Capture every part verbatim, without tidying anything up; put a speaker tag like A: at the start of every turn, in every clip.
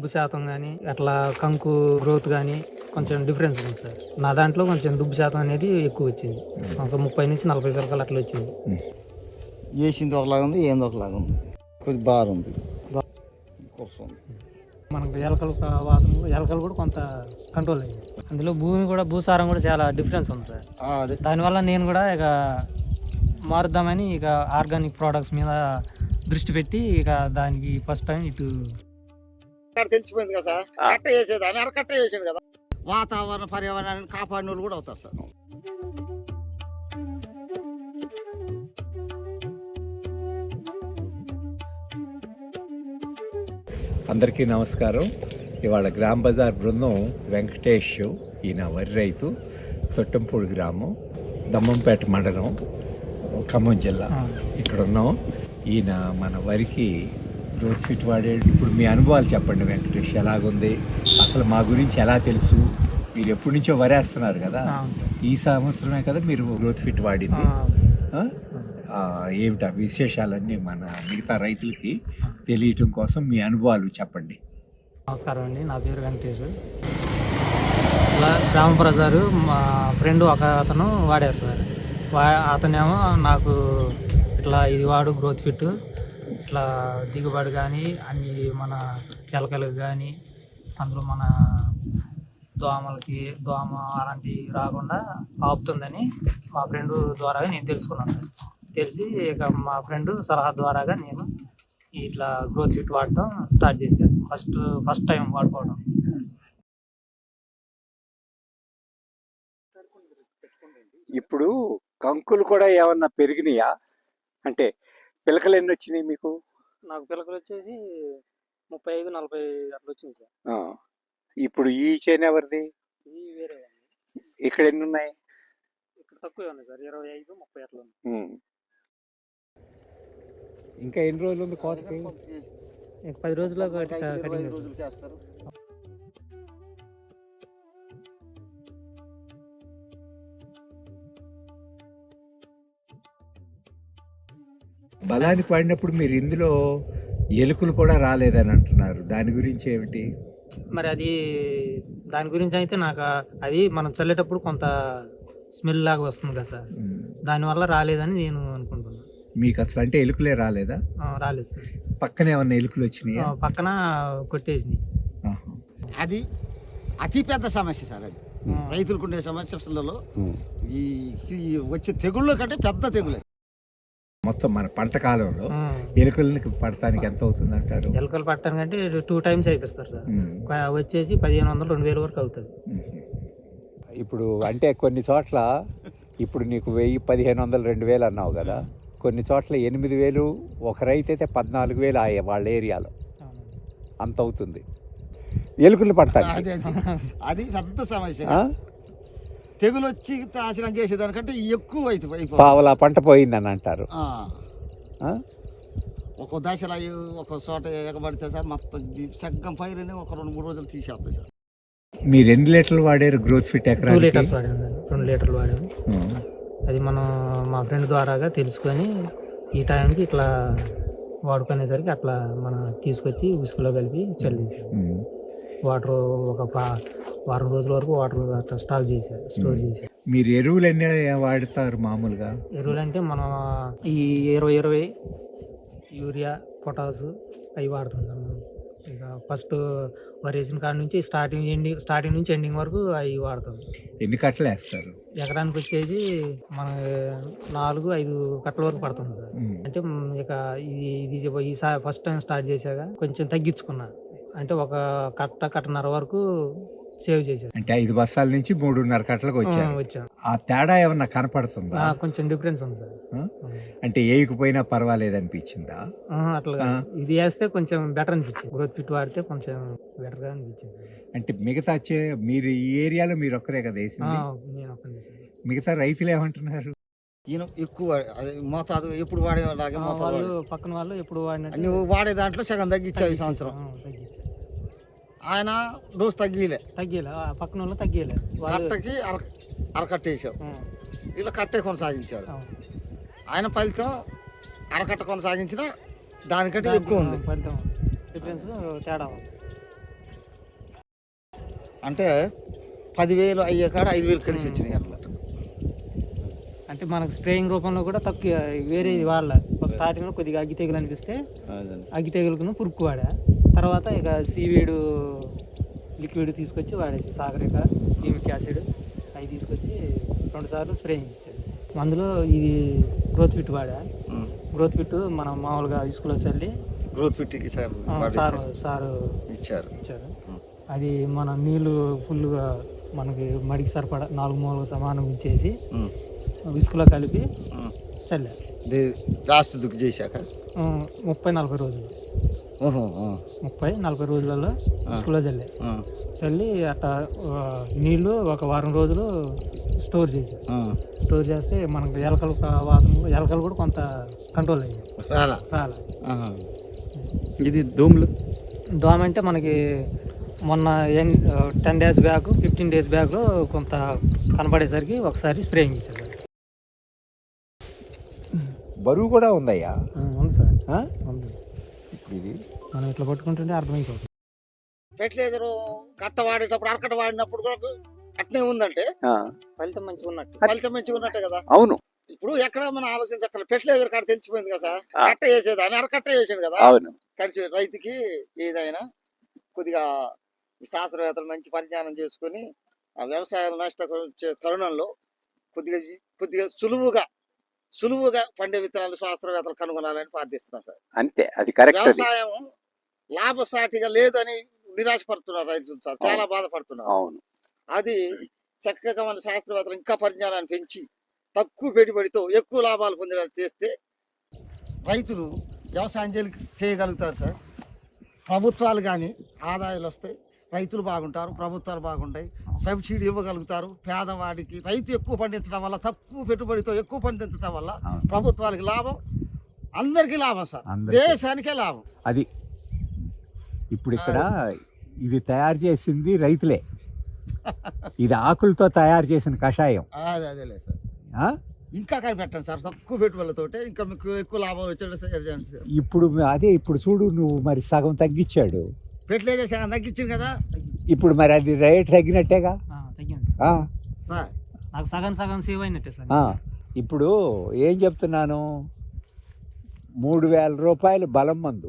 A: దుబ్బు శాతం కానీ అట్లా కంకు గ్రోత్ కానీ కొంచెం డిఫరెన్స్ ఉంది సార్. నా దాంట్లో కొంచెం దుబ్బు శాతం అనేది ఎక్కువ వచ్చింది, ఒక ముప్పై నుంచి నలభై పిలకలు అట్లా వచ్చింది.
B: వేసింది ఒకలాగా ఉంది, ఏంది ఒకలాగా ఉంది, కొద్ది బాగుంది.
A: మనకు ఎలకలు వాసన, ఎలకలు కూడా కొంత కంట్రోల్ అయ్యింది. అందులో భూమి కూడా భూసారం కూడా చాలా డిఫరెన్స్ ఉంది సార్. దానివల్ల నేను కూడా ఇక మారుద్దామని ఇక ఆర్గానిక్ ప్రోడక్ట్స్ మీద దృష్టి పెట్టి ఇక దానికి ఫస్ట్ టైం ఇటు
B: తెలిసిపోయింది కదా సార్. కట్ట వేసేది అని అరకట్ట వేసాడు కదా, వాతావరణ పర్యావరణాన్ని కాపాడిన వాళ్ళు కూడా అవుతారు సార్.
C: అందరికీ నమస్కారం. ఇవాళ గ్రామ బజార్ బృందం వెంకటేష్, ఈయన వరి రైతు, తొట్టంపూడి గ్రామం, దమ్మంపేట మండలం, ఖమ్మం జిల్లా ఇక్కడ ఉన్నాం. ఈయన మన వరికి గ్రోత్ ఫిట్ వాడాడు. ఇప్పుడు మీ అనుభవాలు చెప్పండి వెంకటేష్, ఎలాగుంది అసలు, మా గురించి ఎలా తెలుసు? మీరు ఎప్పటి నుంచో వరేస్తున్నారు కదా, ఈ సంవత్సరమే కదా మీరు గ్రోత్ ఫిట్ వాడింది. ఏమిటా విశేషాలన్నీ మన మిగతా రైతులకి తెలియటం కోసం మీ అనుభవాలు చెప్పండి.
A: నమస్కారం అండి, నా పేరు వెంకటేష్. ఇలా గ్రామ బజారు మా ఫ్రెండ్ ఒక అతను వాడారు సార్. వా అతనేమో నాకు ఇట్లా ఇది వాడు గ్రోత్ ఫిట్, ఇట్లా దిగుబడి కానీ అన్ని మన ఎలకలకు కానీ అందులో మన దోమలకి దోమ అలాంటివి రాకుండా ఆపుతుందని మా ఫ్రెండ్ ద్వారా నేను తెలుసుకున్నాను సార్. తెలిసి ఇక మా ఫ్రెండ్ సలహా ద్వారాగా నేను ఇట్లా గ్రోత్ ఫిట్ వాడటం స్టార్ట్ చేశాను. ఫస్ట్ ఫస్ట్ టైం వాడుకోవడం.
C: ఇప్పుడు కంకులు కూడా ఏమన్నా పెరిగినాయా? అంటే పిలకలు ఎన్ని వచ్చినాయి మీకు?
A: నాకు పిలకలు వచ్చేసి ముప్పై ఐదు నలభై అట్లా వచ్చింది సార్.
C: ఇప్పుడు ఈ చేను ఎవరిది?
A: ఇది వేరే.
C: ఇక్కడ ఎన్ని ఉన్నాయి?
A: ఇక్కడ తక్కువే ఉన్నాయి సార్, ఇరవై ఐదు ముప్పై అట్లా ఉంది.
C: ఇంకా ఎన్ని రోజులు ఉంది కోతకి?
A: పది రోజుల్లో కటింగ్
B: చేస్తారు.
C: బలానికి పడినప్పుడు మీరు ఇందులో ఎలుకలు కూడా రాలేదని అంటున్నారు, దాని గురించి ఏమిటి
A: మరి? అది దాని గురించి అయితే నాకు అది మనం చల్లేటప్పుడు కొంత స్మెల్ లాగా వస్తుంది కదా సార్, దానివల్ల రాలేదని నేను అనుకుంటున్నాను.
C: మీకు అసలు అంటే ఎలుకలే రాలేదా?
A: రాలేదు సార్.
C: పక్కన ఏమన్నా ఎలుకలు వచ్చినాయి?
A: పక్కన కొట్టేసినాయి.
B: అది అతి పెద్ద సమస్య సార్. అది రైతులకు ఉండే సమస్యలలో ఈ వచ్చే తెగుళ్ళ కంటే పెద్ద తెగులే.
C: మొత్తం మన పంట కాలంలో ఎలుకలకి పడటానికి ఎంత అవుతుంది అంటారు?
A: ఎలుకలు పట్టడానికి అంటే టూ టైమ్స్ అయిపిస్తారు సార్. వచ్చేసి పదిహేను వందలు రెండు వేల వరకు అవుతుంది.
C: ఇప్పుడు అంటే కొన్ని చోట్ల ఇప్పుడు నీకు వెయ్యి పదిహేను వందలు రెండు వేలు అన్నావు కదా, కొన్ని చోట్ల ఎనిమిది వేలు, ఒక రైతు అయితే పద్నాలుగు వేలు అయ్యే వాళ్ళ ఏరియాలో అంత అవుతుంది ఎలుకలు పడతాయి.
B: అది పెద్ద సమస్య. తెగులు వచ్చి నాశనం చేసేదానికంటే ఎక్కువ అవుతుంది.
C: పావలా పంట పోయిందని అంటారు.
B: ఒక దశలో ఒక చోట ఎగబడితే సార్ మొత్తం సగ్గం పైరని ఒక రెండు మూడు రోజులు తీసేస్తాయి సార్.
C: మీరు ఎన్ని లీటర్లు వాడారు గ్రోత్ ఫిట్? ఎకరా
A: టూ లీటర్స్ వాడాము సార్, రెండు లీటర్లు వాడాము. అది మనం మా ఫ్రెండ్ ద్వారాగా తెలుసుకొని ఈ టైంకి ఇట్లా వాడుకునేసరికి అట్లా మనం తీసుకొచ్చి ఉసుకులో కలిపి చల్లించాం. వాటర్ ఒక వారం రోజుల వరకు వాటర్ అట్లా స్టాక్ చేశారు, స్టోర్ చేశారు.
C: మీరు ఎరువులు ఎన్ని వాడతారు మామూలుగా?
A: ఎరువులు అంటే మనం ఈ ఇరవై ఇరవై యూరియా, పొటాసు అవి వాడతాం సార్ మనం. ఇక ఫస్ట్ వరి వేసిన కాడ నుంచి స్టార్టింగ్ ఎండింగ్ స్టార్టింగ్ నుంచి ఎండింగ్ వరకు అవి వాడతాం.
C: ఎన్ని కట్టలు వేస్తారు?
A: ఎకరానికి వచ్చేసి మన నాలుగు ఐదు కట్టల వరకు పడుతుంది సార్. అంటే ఇక ఇది ఇది ఈ ఫస్ట్ టైం స్టార్ట్ చేశాక కొంచెం తగ్గించుకున్నా, అంటే ఒక కట్ట కట్టన్నర వరకు సేవ్ చేశారు.
C: అంటే ఐదు బస్తాల నుంచి మూడున్నర కట్టలకు వచ్చారు.
A: వచ్చాం.
C: ఆ తేడా ఏమన్నా కనపడుతుందా?
A: కొంచెం డిఫరెన్స్ ఉంది సార్.
C: అంటే ఏయకపోయినా పర్వాలేదు అనిపించిందా?
A: అట్లా ఇది వేస్తే కొంచెం బెటర్ అనిపించింది. గ్రోత్ ఫిట్ వాడితే కొంచెం బెటర్ గా అనిపించింది.
C: అంటే మిగతా మీరు ఈ ఏరియాలో మీరు ఒక్కరే కదా వేసింది?
A: నేను ఒక్కనే. మిగతా
C: రైతులు ఏమంటున్నారు?
B: ఈయన ఎక్కువ మోతాదు ఎప్పుడు వాడేలాగే
A: వాళ్ళు పక్కన వాళ్ళు ఎప్పుడు వాడిన
B: నువ్వు వాడే దాంట్లో సగం తగ్గించావు ఈ సంవత్సరం. ఆయన డోస్ తగ్గిలే
A: తగ్గిలే పక్కన వాళ్ళు తగ్గిలే.
B: కట్టకి అర అరకట్ట వేసావు, ఇలా కట్టే కొనసాగించారు. ఆయన ఫలితం అరకట్ట కొనసాగించిన దానికంటే ఎక్కువ ఉంది.
A: ఫలితం డిఫరెన్స్ తేడా ఉంది.
B: అంటే పదివేలు అయ్యే కాడ ఐదు వేలు కలిసి వచ్చినాయి అన్నమాట.
A: అంటే మనకు స్ప్రేయింగ్ రూపంలో కూడా తక్కువ వేరే వాళ్ళ స్టార్టింగ్లో కొద్దిగా అగ్గి తెగులు అనిపిస్తే అగ్గి తెగులుకును పురుక్కు వాడా. తర్వాత ఇక సీవీడు లిక్విడ్ తీసుకొచ్చి వాడేసి సాగరిక హ్యూమిక్ యాసిడ్ అవి తీసుకొచ్చి రెండు సార్లు స్ప్రేయింగ్ ఇచ్చాడు. అందులో ఇది గ్రోత్ ఫిట్ వాడా. గ్రోత్ ఫిట్ మనం మామూలుగా ఇసుకలో చల్లి
B: గ్రోత్ ఫిట్కి సార్
A: సారు సారు
B: ఇచ్చారు
A: ఇచ్చారు అది మన నీళ్ళు ఫుల్గా మనకి మడికి సరిపడా నాలుగు మూలలు సమానం ఇచ్చేసి ఇసుకలో కలిపి చల్లారు.
B: లాస్ట్ దుక్కు చేశాక
A: ముప్పై నలభై రోజులు
B: ఓహో
A: ముప్పై నలభై రోజులలో ఇసుకలో చల్లే చల్లి అట్లా నీళ్ళు ఒక వారం రోజులు స్టోర్ చేశారు. స్టోర్ చేస్తే మనకు ఎలకలు వాసన ఎలకలు కూడా కొంత కంట్రోల్ అయ్యాయి.
B: రాలా
A: రాలే.
B: ఇది దోమలు
A: దోమ అంటే మనకి మొన్న ten days back fifteen days బ్యాక్లో కొంత కనపడేసరికి ఒకసారి స్ప్రేయింగ్ ఇచ్చారు.
C: బరువు కూడా ఉందయ్యా.
A: ఉంది సార్
C: ఆ?
A: ఉంది.
C: ఇప్పుడు ఇది
A: మనం ఇట్లా పట్టుకుంటుంటే అర్థమైపోతుంది.
B: ఫెర్టిలైజర్ కట్ట వాడేటప్పుడు అరకట్ట వాడినప్పుడు కూడా అట్నే ఉందంటే
A: ఫలితం మంచిగా ఉన్నట్టు.
B: ఫలితం మంచిగా ఉన్నట్టే కదా.
C: అవును.
B: ఇప్పుడు ఎక్కడ మనం ఆలోచించక్కర్లేదు. ఫెర్టిలైజర్ కాడ తెలిసిపోయింది కదా సార్. కట్ట వేసేది అని అరకట్ట వేసాడు కదా.
C: అవును.
B: కలిసి రైతుకి ఏదైనా కొద్దిగా శాస్త్రవేత్తలు మంచి పరిజ్ఞానం చేసుకుని ఆ వ్యవసాయం నష్టపరిచే తరుణంలో కొద్దిగా కొద్దిగా సులువుగా సులువుగా పండే విత్తనాలు శాస్త్రవేత్తలు కనుగొనాలని ప్రార్థిస్తున్నాం సార్.
C: అంతే, అది కరెక్ట్.
B: వ్యవసాయం లాభసాటిగా లేదని నిరాశపడుతున్నారు రైతులు సార్. చాలా బాధపడుతున్నారు.
C: అవును.
B: అది చక్కగా మన శాస్త్రవేత్తలు ఇంకా పరిజ్ఞానాన్ని పెంచి తక్కువ పెట్టుబడితో ఎక్కువ లాభాలు పొందేలా చేస్తే రైతులు వ్యవసాయం చేయగలుగుతారు సార్. ప్రభుత్వాలు కానీ ఆదాయాలు వస్తాయి, రైతులు బాగుంటారు, ప్రభుత్వాలు బాగుంటాయి, సబ్సిడీ ఇవ్వగలుగుతారు. పేదవాడికి రైతు ఎక్కువ పండించడం వల్ల, తక్కువ పెట్టుబడితో ఎక్కువ పండించడం వల్ల ప్రభుత్వానికి లాభం, అందరికీ లాభం సార్. దేశానికే లాభం.
C: అది ఇప్పుడు ఇక్కడ ఇది తయారు చేసింది రైతులే. ఇది ఆకులతో తయారు చేసిన కషాయం.
B: అదే అదేలే సార్. ఇంకా కనిపెట్టండి సార్. తక్కువ పెట్టుబడులతో ఇంకా మీకు ఎక్కువ లాభం వచ్చేది.
C: ఇప్పుడు అదే ఇప్పుడు చూడు, నువ్వు మరి సగం తగ్గించాడు.
B: ఫెర్టిలైజర్ సగం తగ్గించింది కదా.
C: ఇప్పుడు మరి అది రేట్ తగ్గినట్టేగా.
A: తగ్గింది
B: సార్.
A: నాకు సగం సగం సేవ్ అయినట్టే సార్.
C: ఇప్పుడు ఏం చెప్తున్నాను, మూడు వేల రూపాయలు బలం మందు,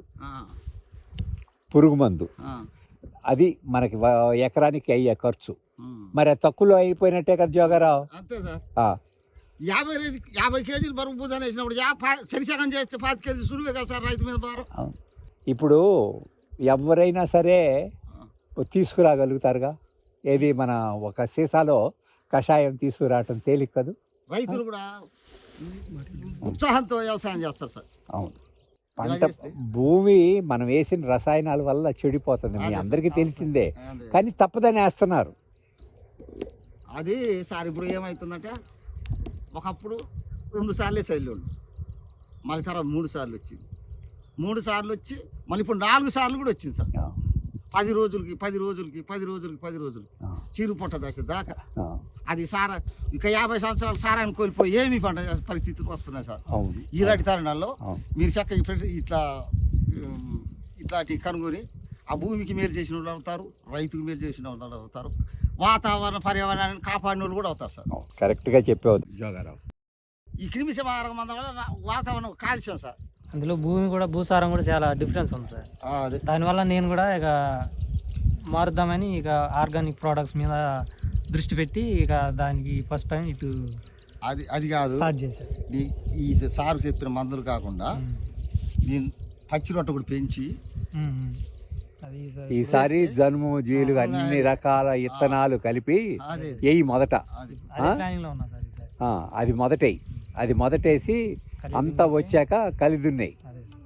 C: పురుగు మందు, అది మనకి ఎకరానికి అయ్యే ఖర్చు. మరి అది తక్కువలో అయిపోయినట్టే కదా జోగారావు.
B: అంతే సార్. యాభై యాభై కేజీలు బరువు పూజ వేసినప్పుడు సరిసగం చేస్తే పాతి కేజీ సులువే కదా సార్ రైతు మీద భారం.
C: ఇప్పుడు ఎవరైనా సరే తీసుకురాగలుగుతారుగా. ఏది మన ఒక సీసాలో కషాయం తీసుకురావటం తేలిక కదూ.
B: రైతులు కూడా ఉత్సాహంతో వ్యవసాయం చేస్తారు సార్.
C: అవును. పంట భూమి మనం వేసిన రసాయనాల వల్ల చెడిపోతుంది, మీ అందరికీ తెలిసిందే. కానీ తప్పదని వేస్తున్నారు.
B: అది సార్ ఇప్పుడు ఏమవుతుందంటే, ఒకప్పుడు రెండు సార్లే చల్లోళ్ళు, మళ్ళీ తర్వాత మూడు సార్లు వచ్చింది. మూడు సార్లు వచ్చి మళ్ళీ ఇప్పుడు నాలుగు సార్లు కూడా వచ్చింది సార్. పది రోజులకి పది రోజులకి పది రోజులకి పది రోజులకి చీరు పొట్ట దశ దాకా. అది సారా ఇక యాభై సంవత్సరాలు సారాన్ని కోల్పోయి ఏమి పంట పరిస్థితులు వస్తున్నాయి సార్. ఇలాంటి తరుణాల్లో మీరు చక్కగా ఇట్లా ఇట్లాంటి కనుగొని ఆ భూమికి మేలు చేసిన వాళ్ళు అవుతారు, రైతుకు మేలు చేసిన వాళ్ళు అవుతారు, వాతావరణ పర్యావరణాన్ని కాపాడిన వాళ్ళు కూడా అవుతారు సార్.
C: కరెక్ట్గా చెప్పేవారు జోగారావు.
B: ఈ క్రిమి సంహారం మందం వల్ల వాతావరణం కాలుష్యం సార్.
A: అందులో భూమి కూడా భూసారం కూడా చాలా డిఫరెన్స్ ఉంది సార్. దానివల్ల నేను కూడా ఇక మారుద్దామని ఇక ఆర్గానిక్ ప్రోడక్ట్స్ మీద దృష్టి పెట్టి ఇక దానికి ఫస్ట్ టైం ఇటు
B: అది అది కాదు
A: స్టార్ట్ చేశాను.
B: ఈ సార్ చెప్పిన మందులు కాకుండా నేను పచ్చి రొట్ట కూడా పెంచి
C: ఈసారి జనుము జీలు అన్ని రకాల ఇత్తనాలు కలిపి వేయి మొదట. అది మొదటేయి, అది మొదటేసి అంతా వచ్చాక కలిదున్నాయి.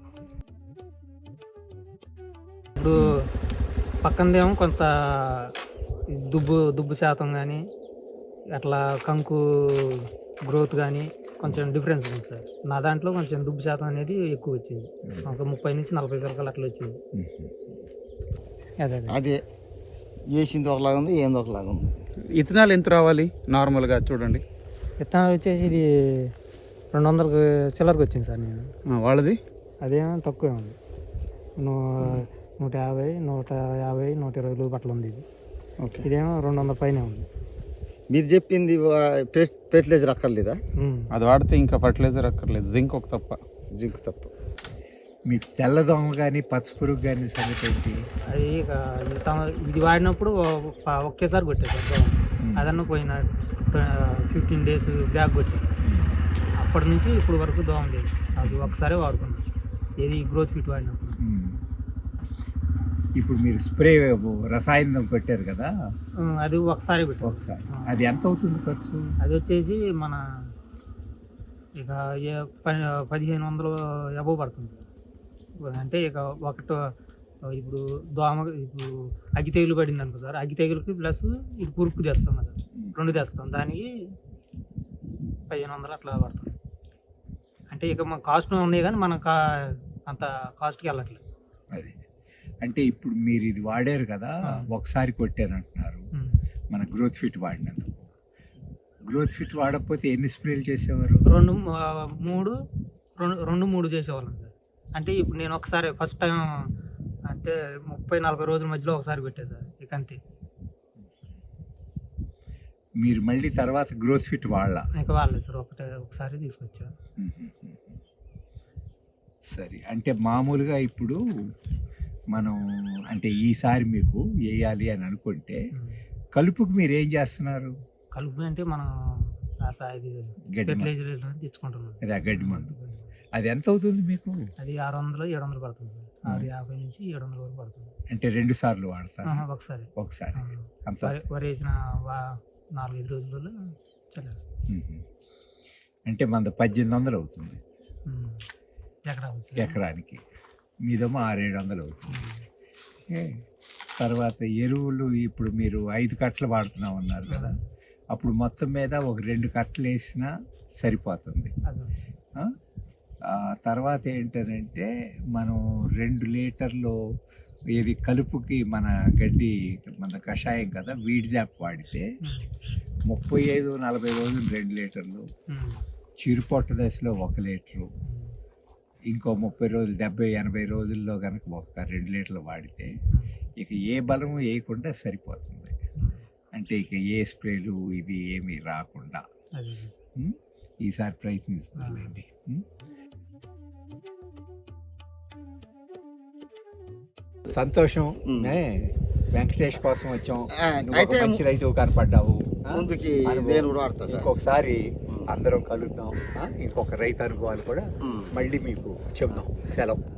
A: ఇప్పుడు పక్కనదేమో కొంత దుబ్బు దుబ్బు శాతం కానీ అట్లా కంకు గ్రోత్ కానీ కొంచెం డిఫరెన్స్ ఉంది సార్. నా దాంట్లో కొంచెం దుబ్బు శాతం అనేది ఎక్కువ వచ్చింది, ఒక ముప్పై నుంచి నలభై వరకు అట్లా వచ్చింది. అదే
B: అదే వేసింది ఒకలాగా ఉంది, ఏంది ఒకలాగా ఉంది.
D: విత్తనాలు ఎంత రావాలి నార్మల్గా చూడండి?
A: విత్తనాలు వచ్చేసి ఇది రెండు వందలకు చిల్లరకు వచ్చింది సార్. నేను
D: వాళ్ళది
A: అదేమో తక్కువే ఉంది, నూ నూట యాభై నూట యాభై నూట ఇరవై రూపాయలు బట్టలు ఉంది. ఇది
D: ఓకే.
A: ఇదేమో రెండు వందల పైన ఉంది.
B: మీరు చెప్పింది ఫెర్టిలైజర్ అక్కర్లేదా?
A: ఉమ్.
D: అది వాడితే ఇంకా ఫర్టిలైజర్ అక్కర్లేదు, జింక్ ఒక తప్ప.
B: జింక్ తప్ప.
C: మీకు తెల్లదోమ కానీ పచ్చపురుగు కానీ సంగతి ఏంటి?
A: అది ఇక ఈ సం- ఇది వాడినప్పుడు ఒ- ఒకేసారి కొట్టేది సార్. అదన్న పోయిన ఫిఫ్టీన్ డేస్ బ్యాక్ కొట్టి అప్పటి నుంచి ఇప్పుడు వరకు దోమ లేదు. అది ఒకసారి వాడుకున్నాం, ఏది గ్రోత్ ఫిట్ వాడినప్పుడు.
C: ఉమ్. ఇప్పుడు మీరు స్ప్రే రసాయనం కొట్టారు కదా
A: ఉమ్, అది ఒకసారి పెట్టాం.
C: ఒకసారి, అది ఎంత అవుతుంది ఖర్చు?
A: అది వచ్చేసి మన ఇక ఏ ప- పదిహేను వందలు ఎబో పడుతుంది సార్. అంటే ఇక ఒకటి ఇప్పుడు దోమ ఇప్పుడు అగ్గి తెగులు పడింది అనుకో సార్, అగ్గి తెగులుకి ప్లస్ ఇది పురుకు తెస్తాం కదా, రెండు తెస్తాం, దానికి పదిహేను వందలు అట్లా పడుతుంది. అంటే ఇక మన కాస్ట్ ఉన్నాయి కానీ మనం కా అంత కాస్ట్కి వెళ్ళట్లేదు.
C: అది అంటే ఇప్పుడు మీరు ఇది వాడారు కదా, ఒకసారి కొట్టారంటున్నారు,
A: ఉమ్.
C: మన గ్రోత్ ఫిట్ వాడినందుకు. గ్రోత్ ఫిట్ వాడకపోతే ఎన్ని స్ప్రేలు చేసేవారు?
A: రెండు ఆ, మూడు రెండు రెండు మూడు చేసేవాళ్ళం సార్. అంటే ఇప్పుడు నేను ఒకసారి ఫస్ట్ టైం అంటే ముప్పై నలభై రోజుల మధ్యలో ఒకసారి పెట్టాను సార్, ఇక అంతే.
C: మీరు మళ్ళీ తర్వాత గ్రోత్ ఫిట్ వాడాల?
A: ఇంకా వాళ్ళే సార్, ఒకటే ఒకసారి తీసుకొచ్చాను.
C: సరే, అంటే మామూలుగా ఇప్పుడు మనం అంటే ఈసారి మీకు వేయాలి అని అనుకుంటే కలుపుకు మీరు ఏం చేస్తున్నారు?
A: కలుపు అంటే మనం రాసా ఇది
C: గడ్డి మందు.
A: ఫెర్టిలైజర్ తెచ్చుకుంటున్నాం.
C: అది ఆ గడ్డి మందు. అది ఎంత అవుతుంది మీకు?
A: అది ఆరు వందలు ఏడు వందలు పడుతుంది సార్. ఆరు యాభై నుంచి ఏడు వందల వరకు పడుతుంది.
C: అంటే రెండు సార్లు వాడతారు?
A: ఆహా, ఒకసారి
C: ఒకసారి.
A: ఆ,
C: అంత
A: వరి వరి వేసిన వా నాలుగైదు రోజులలో చల్లేస్తాం.
C: మ్మ్. అంటే మన పద్దెనిమిది వందలు అవుతుంది
A: ఉమ్. ఎకరా వచ్చి
C: ఎకరానికి, మీదేమో ఆరేడు వందలు అవుతుంది. ఓకే. తర్వాత ఎరువులు ఇప్పుడు మీరు ఐదు కట్టలు వాడుతున్నాం అన్నారు కదా, అప్పుడు మొత్తం మీద ఒక రెండు కట్టలు వేసినా సరిపోతుంది.
A: అది వచ్చి
C: ఆ? ఆ తర్వాత ఏంటంటే మనం రెండు లీటర్లు ఇది కలుపుకి మన గడ్డి మన కషాయం కదా వీడ్ జాప్ వాడితే
A: ఉమ్.
C: ముప్పై ఐదు నలభై రోజులు రెండు లీటర్లు,
A: ఉమ్.
C: చిరుపొట్ట దశలో ఒక లీటరు, ఇంకో ముప్పై రోజులు డెబ్బై ఎనభై రోజుల్లో కనుక ఒక రెండు లీటర్లు వాడితే ఇక ఏ బలము వేయకుండా సరిపోతుంది. అంటే ఇక ఏ స్ప్రేలు ఇది ఏమీ రాకుండా.
A: అది సార్.
C: ఉం? ఈసారి ప్రయత్నిస్తుందండి. సంతోషం.
B: ఉం.
C: ఏ, వెంకటేష్ కోసం వచ్చాం.
B: ఆ,
C: నువ్వు ఒక
B: అయితే
C: మంచి రైతు కనపడ్డావు. ఆ?
B: ముందుకి
C: అనుభవం.
B: నేను కూడా వాడతా సార్.
C: ఇంకొకసారి అందరం కలుద్దాం. ఆ? ఇంకొక రైతు అనుభవాలు కూడా
B: ఉం.
C: మళ్ళీ మీకు చెప్దాం. సెలవు.